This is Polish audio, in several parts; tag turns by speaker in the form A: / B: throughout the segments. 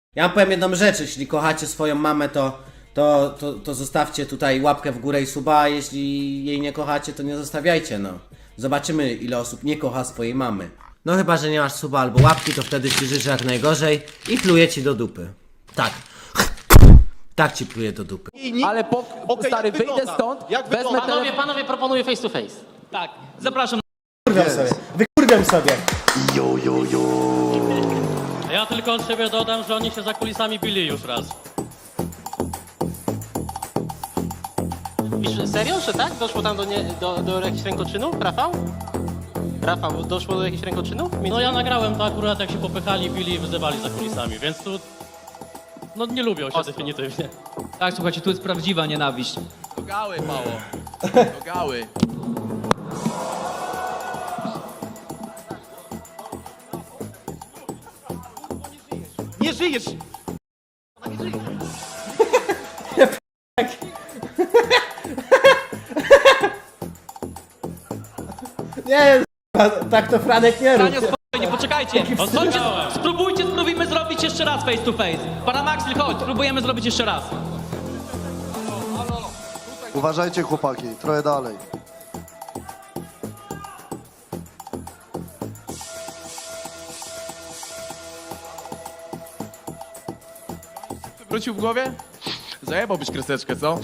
A: Ja wam powiem jedną rzecz, jeśli kochacie swoją mamę, to zostawcie tutaj łapkę w górę i suba, a jeśli jej nie kochacie, to nie zostawiajcie, no. Zobaczymy, ile osób nie kocha swojej mamy. No chyba, że nie masz suba albo łapki, to wtedy ci życzę jak najgorzej i pluję ci do dupy. Tak. Tak ci pluję do dupy.
B: Ale stary, wyjdę stąd, wezmę telefon.
C: Panowie, proponuję face to face.
D: Tak, zapraszam.
A: Wykurwiam sobie.
D: Ja tylko od siebie dodam, że oni się za kulisami bili już raz.
C: Serio, że tak? Doszło tam do jakichś rękoczynów, Rafał? Rafał, doszło do jakichś rękoczynów?
D: No ja nagrałem to akurat, jak się popychali, bili i wyzywali za kulisami, więc tu... No nie lubią się definitywnie.
E: Tak, słuchajcie, tu jest prawdziwa nienawiść.
B: Do gały, mało. Do gały.
F: Nie żyjesz!
A: Nie, tak to Franek nie rób.
E: Franio, spokojnie, poczekajcie. Spróbujmy zrobić jeszcze raz face to face. Paramaxil, chodź, spróbujemy zrobić jeszcze raz.
G: Uważajcie chłopaki, trochę dalej.
B: Wrócił w głowie? Zajebałbyś kreseczkę, co?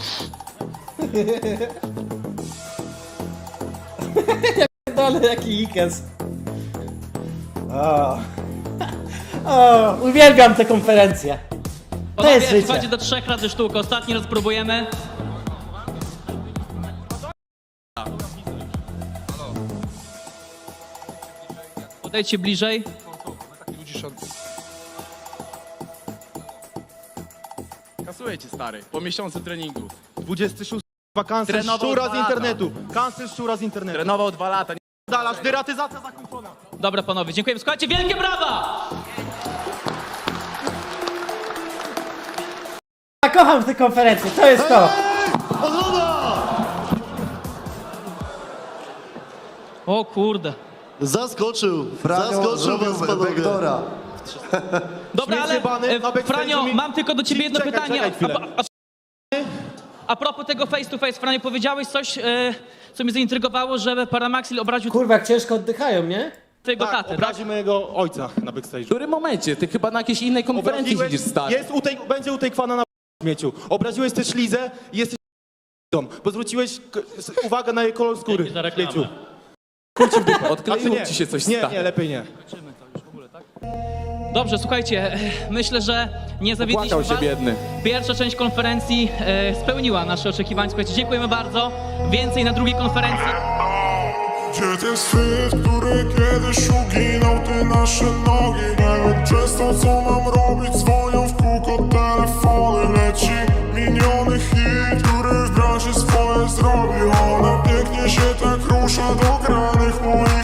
A: Dole, jaki ikes. O, uwielbiam te konferencje. To jest
E: Panowie,
A: życie.
E: słuchajcie, do 3 razy sztuka. Ostatni raz próbujemy. Podejdźcie bliżej.
B: Kasuję cię, stary, po miesiącu treningu.
F: 26 cancel
B: Trenował
F: szczura
B: 2
F: z
B: lata.
F: internetu. Cancel szczura z internetu.
B: Trenował 2 lata.
F: Dalasz, deratyzacja zakończona.
E: Dobra, panowie, dziękujemy. Słuchajcie, wielkie brawa!
A: Ja kocham te konferencje, to jest to.
E: O kurde.
G: Zaskoczył, zrobił
F: panowie.
G: backdoora.
E: Dobra, ale
F: Śmieciebany, na backstage'u
E: Franio,
F: mi-
E: mam tylko do ciebie jedno
F: Czekaj,
E: pytanie.
F: czekaj chwilę.
E: A propos tego face to face, Franio, powiedziałeś coś, co mnie zaintrygowało, że Paramaxil obraził
A: Kurwa, jak ciężko oddychają, nie?
E: twojego
F: Tak,
E: tatę, tak?
F: obrazi mojego ojca na backstage'u.
B: W którym momencie? Ty chyba na jakiejś innej konferencji
F: Obraziłeś-
B: siedzisz, stary.
F: będzie utejkwana na śmieciu. Obraziłeś też Lizę i jesteś bo zwróciłeś uwagę na jej kolor skóry.
D: Dzięki za reklamę.
F: Śmieciu.
B: Odkleiło
F: Znaczy
B: ci się coś,
F: Nie,
B: stary.
F: nie, lepiej nie.
E: Dobrze, słuchajcie, myślę, że nie zawiedliśmy
B: Płakał się
E: was.
B: biedny.
E: Pierwsza część konferencji spełniła nasze oczekiwania. Słuchajcie, dziękujemy bardzo. Więcej na drugiej konferencji.
H: Gdzie ten świat, który kiedyś uginał te nasze nogi? Nie wiem przez to, co mam robić, dzwonią w kółko telefony. Leci miniony hit, który w branży swoje zrobi. Ona pięknie się tak rusza do